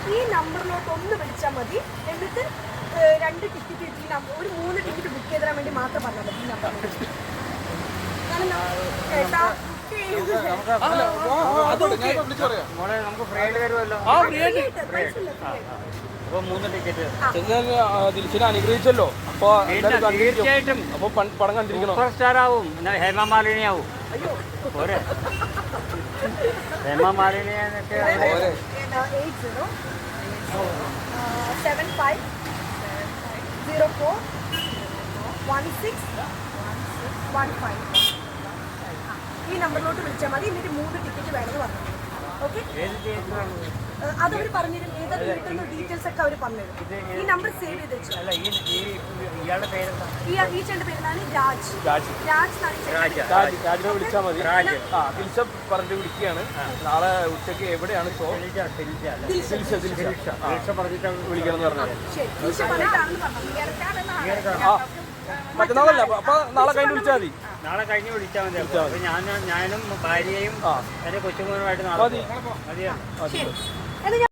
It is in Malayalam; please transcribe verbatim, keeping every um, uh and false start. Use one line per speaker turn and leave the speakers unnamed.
ഈ നമ്പറിലോട്ട് ഒന്ന് വിളിച്ചാൽ മതി. എന്നിട്ട് രണ്ട് ടിക്കറ്റ് ഈ നമ്പർ ഒരു മൂന്ന് ടിക്കറ്റ് ബുക്ക് ചെയ്ത് തരാൻ വേണ്ടി മാത്രം പറഞ്ഞാൽ മതി ഈ നമ്പറിൽ.
ദിൽഷനെ അനുഗ്രഹിച്ചല്ലോ, അപ്പൊ
തീർച്ചയായിട്ടും
അപ്പൊ പടം കണ്ടിരിക്കണം.
സൂപ്പർ സ്റ്റാർ ആവും, ഹേമമാലിനി ആവും. പോരെ ഹേമമാലിനിയൊക്കെ
seven five zero four one six one five ഈ നമ്പറിലോട്ട് വിളിച്ചാൽ മതി. എന്നിട്ട് മൂന്ന് ടിക്കറ്റ് വേണമെന്ന് പറഞ്ഞു. ഓക്കെ, അതവർ പറഞ്ഞുതരും. ഏതൊക്കെ കിട്ടുന്ന ഡീറ്റെയിൽസ് ഒക്കെ അവർ പറഞ്ഞുതരും. ഈ നമ്പർ സേവ് ചെയ്ത് വെച്ചു. ഈ ചേട്ടൻ്റെ പേരാണ് രാജ്. രാജ്
രാജിനെ വിളിച്ചാൽ മതി. ആ ദിൽഷ പറഞ്ഞിട്ട് വിളിക്കുകയാണ്. നാളെ ഉച്ചയ്ക്ക് എവിടെയാണ് ഷോ? വിളിക്കണം എന്ന് പറഞ്ഞത്. ആ മറ്റന്നാളല്ല, അപ്പൊ നാളെ കഴിഞ്ഞ് വിളിച്ചാൽ മതി.
നാളെ കഴിഞ്ഞ് വിളിച്ചാൽ മതി. അപ്പൊ ഞാൻ ഞാനും ഭാര്യയും എന്റെ കൊച്ചുമോനുമായിട്ട് നാളെ
മതി.
മതിയോ?